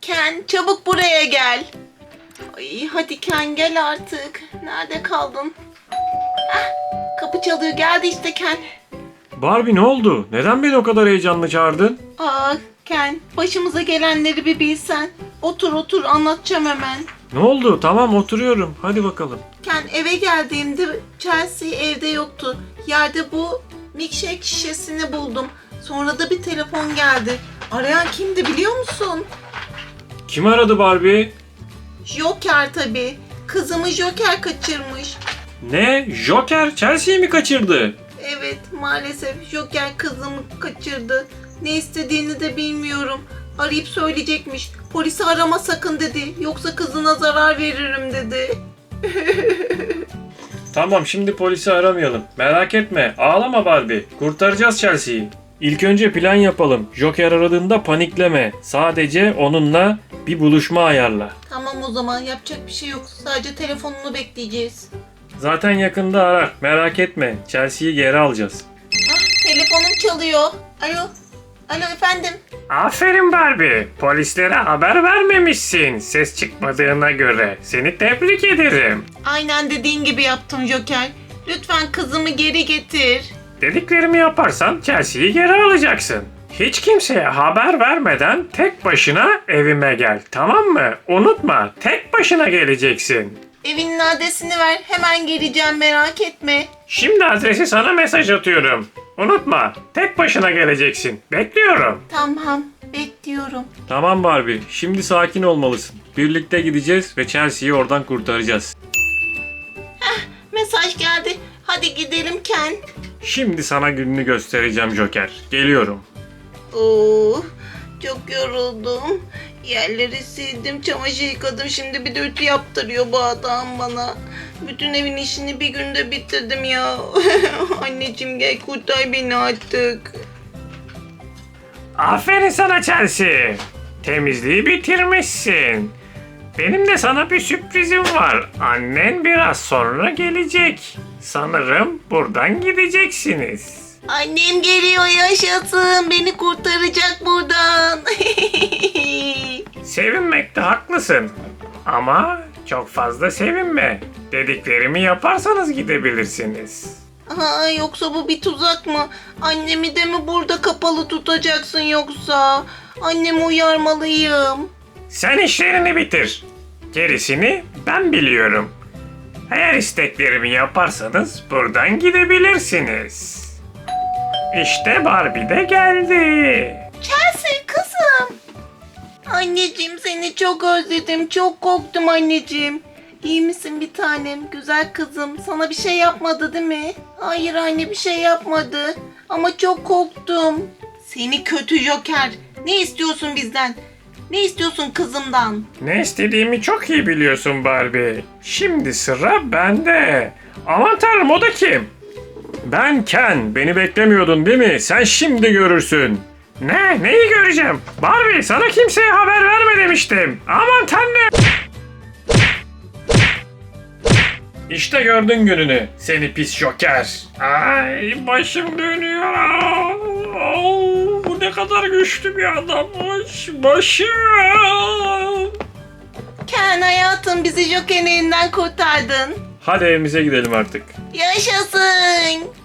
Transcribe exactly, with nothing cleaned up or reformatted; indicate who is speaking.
Speaker 1: Ken çabuk buraya gel. Ay, hadi Ken gel artık. Nerede kaldın? Hah, kapı çalıyor, geldi işte Ken.
Speaker 2: Barbie ne oldu? Neden beni o kadar heyecanlı çağırdın?
Speaker 1: Aa Ken, başımıza gelenleri bir bilsen. Otur otur, anlatacağım hemen.
Speaker 2: Ne oldu? Tamam oturuyorum. Hadi bakalım.
Speaker 1: Ken, eve geldiğimde Chelsea evde yoktu. Yerde bu milkshake şişesini buldum. Sonra da bir telefon geldi. Arayan kimdi biliyor musun?
Speaker 2: Kim aradı Barbie?
Speaker 1: Joker tabii. Kızımı Joker kaçırmış.
Speaker 2: Ne? Joker Chelsea'yi mi kaçırdı?
Speaker 1: Evet, maalesef Joker kızımı kaçırdı. Ne istediğini de bilmiyorum. Arayıp söyleyecekmiş. Polisi arama sakın dedi. Yoksa kızına zarar veririm dedi.
Speaker 2: Tamam şimdi polisi aramayalım. Merak etme. Ağlama Barbie. Kurtaracağız Chelsea'yi. İlk önce plan yapalım. Joker aradığında panikleme. Sadece onunla bir buluşma ayarla.
Speaker 1: Tamam, o zaman yapacak bir şey yok. Sadece telefonunu bekleyeceğiz.
Speaker 2: Zaten yakında arar. Merak etme. Chelsea'yi geri alacağız.
Speaker 1: Ah, telefonum çalıyor. Alo. Alo efendim.
Speaker 2: Aferin Barbie. Polislere haber vermemişsin. Ses çıkmadığına göre. Seni tebrik ederim.
Speaker 1: Aynen dediğin gibi yaptım Joker. Lütfen kızımı geri getir.
Speaker 2: Dediklerimi yaparsan Chelsea'yi geri alacaksın. Hiç kimseye haber vermeden tek başına evime gel. Tamam mı? Unutma. Tek başına geleceksin.
Speaker 1: Evinin adresini ver. Hemen geleceğim, merak etme.
Speaker 2: Şimdi adresi sana mesaj atıyorum. Unutma. Tek başına geleceksin. Bekliyorum.
Speaker 1: Tamam, bekliyorum.
Speaker 2: Tamam Barbie. Şimdi sakin olmalısın. Birlikte gideceğiz ve Chelsea'yi oradan kurtaracağız.
Speaker 1: Mesaj geldi. Hadi gidelim Ken.
Speaker 2: Şimdi sana gününü göstereceğim Joker. Geliyorum.
Speaker 1: Oo, çok yoruldum. Yerleri sildim, çamaşır yıkadım. Şimdi bir de ütü yaptırıyor bu adam bana. Bütün evin işini bir günde bitirdim ya. Anneciğim gel kurtar beni artık.
Speaker 2: Aferin sana Chelsea. Temizliği bitirmişsin. Benim de sana bir sürprizim var. Annen biraz sonra gelecek. Sanırım buradan gideceksiniz.
Speaker 1: Annem geliyor, yaşasın. Beni kurtaracak buradan.
Speaker 2: Sevinmekte haklısın. Ama çok fazla sevinme. Dediklerimi yaparsanız gidebilirsiniz.
Speaker 1: Aa, yoksa bu bir tuzak mı? Annemi de mi burada kapalı tutacaksın yoksa? Annemi uyarmalıyım.
Speaker 2: Sen işlerini bitir. Gerisini ben biliyorum. Eğer isteklerimi yaparsanız buradan gidebilirsiniz. İşte Barbie de geldi.
Speaker 1: Chelsea kızım. Anneciğim seni çok özledim. Çok korktum anneciğim. İyi misin bir tanem? Güzel kızım. Sana bir şey yapmadı değil mi? Hayır anne, bir şey yapmadı. Ama çok korktum. Seni kötü Joker. Ne istiyorsun bizden? Ne istiyorsun kızımdan?
Speaker 2: Ne istediğimi çok iyi biliyorsun Barbie. Şimdi sıra bende. Aman tanrım, o da kim? Ben Ken. Beni beklemiyordun değil mi? Sen şimdi görürsün. Ne? Neyi göreceğim? Barbie, sana kimseye haber verme demiştim. Aman tanrım. İşte gördün gününü. Seni pis Joker. Ay, başım dönüyor. Oh, bu ne kadar güçlü bir adammış. Başım.
Speaker 1: Ken hayatım, bizi Joker'in elinden kurtardın.
Speaker 2: Hadi evimize gidelim artık.
Speaker 1: Yaşasın.